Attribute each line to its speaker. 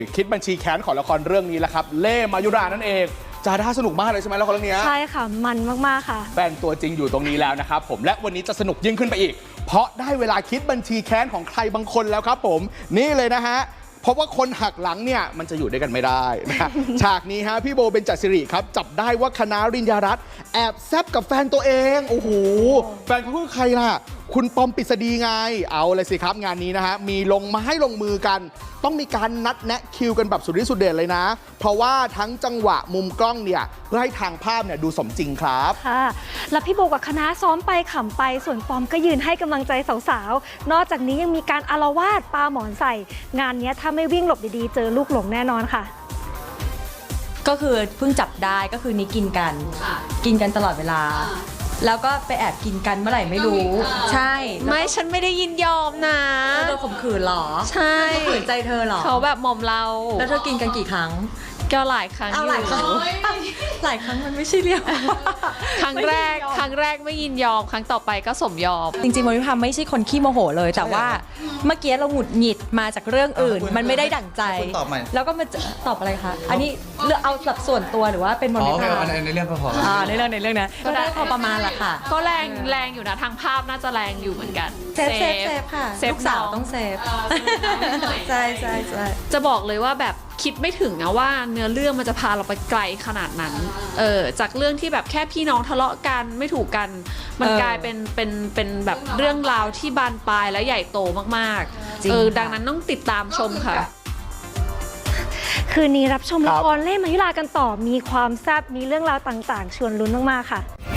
Speaker 1: คิดบัญชีแค้นของละครเรื่องนี้แหละครับเล่มายุรานั่นเองจาด้าสนุกมากเลยใช่ไหมละครเรื่องนี้
Speaker 2: ใช่ค่ะมันมากๆค่ะ
Speaker 1: แฟนตัวจริงอยู่ตรงนี้แล้วนะครับผมและวันนี้จะสนุกยิ่งขึ้นไปอีกเพราะได้เวลาคิดบัญชีแค้นของใครบางคนแล้วครับผมนี่เลยนะฮะเพราะว่าคนหักหลังเนี่ยมันจะอยู่ด้วยกันไม่ได้นะ ฉากนี้ฮะพี่โบเบญจศิริครับจับได้ว่าคณะริญญารัตน์แอบแซบกับแฟนตัวเองโอ้โหแฟนเขาคือใครล่ะคุณปอมปริศดีไงเอาเลยสิครับงานนี้นะฮะมีลงมาให้ลงมือกันต้องมีการนัดแนะคิวกันแบบสุดฤทธิ์สุดเดชเลยนะเพราะว่าทั้งจังหวะมุมกล้องเนี่ยเพื่อให้ทางภาพเนี่ยดูสมจริงครับ
Speaker 2: ค่ะแล้วพี่โบกับคณะซ้อมไปขำไปส่วนปอมก็ยืนให้กำลังใจสาวๆนอกจากนี้ยังมีการอาละวาดปาหมอนใส่งานนี้ถ้าไม่วิ่งหลบดีๆเจอลูกหลงแน่นอนค่ะ
Speaker 3: ก็คือเพิ่งจับได้ก็คือนี้กินกันตลอดเวลาแล้วก็ไปแอบกินกันเมื่อไหร่ไม่รู้ใช่
Speaker 4: ไม่ฉันไม่ได้ยินยอมนะ
Speaker 3: โดนข่มขืนหรอ
Speaker 4: ใช่
Speaker 3: ข่มขืนใจเธอหรอ
Speaker 4: เขาแบบหม่อมเรา
Speaker 3: แล้วเธอกินกันกี่ครั้ง
Speaker 4: ก็หลายครั้งอยู่
Speaker 3: หลายครั้งมันไม่ใช่เรียก
Speaker 4: ครั้งแรกไม่ยินยอมครั้งต่อไปก็สมยอม
Speaker 3: จริงๆโมนิพาไม่ใช่คนขี้โมโหเลยแต่ว่าเมื่อกี้เราหงุดหงิดมาจากเรื่องอื่นมันไม่ได้ดั่งใจแล้วก็มาตอบอะไรคะอันนี้เอาแบบส่วนตัวหรือว่าเป็นโมนิพา
Speaker 5: ในเรื่องก็พอ
Speaker 3: ในเรื่องนะก็ได้พอประมาณละค่ะ
Speaker 4: ก็แรงอยู่นะทางภาพน่าจะแรงอยู่เหมือนกัน
Speaker 3: เซฟค่ะลูกสาวต้องเซฟใช่
Speaker 4: จะบอกเลยว่าแบบคิดไม่ถึงนะว่าเนื้อเรื่องมันจะพาเราไปไกลขนาดนั้นจากเรื่องที่แบบแค่พี่น้องทะเลาะกันไม่ถูกกันมันกลายเป็นแบบเรื่องราวที่บานปลายและใหญ่โตมากๆดังนั้นต้องติดตามชมค่ะ
Speaker 2: คืนนี้รับชมละครเล่มายุรากันต่อมีความแซ่บมีเรื่องราวต่างๆชวนลุ้นมากๆค่ะ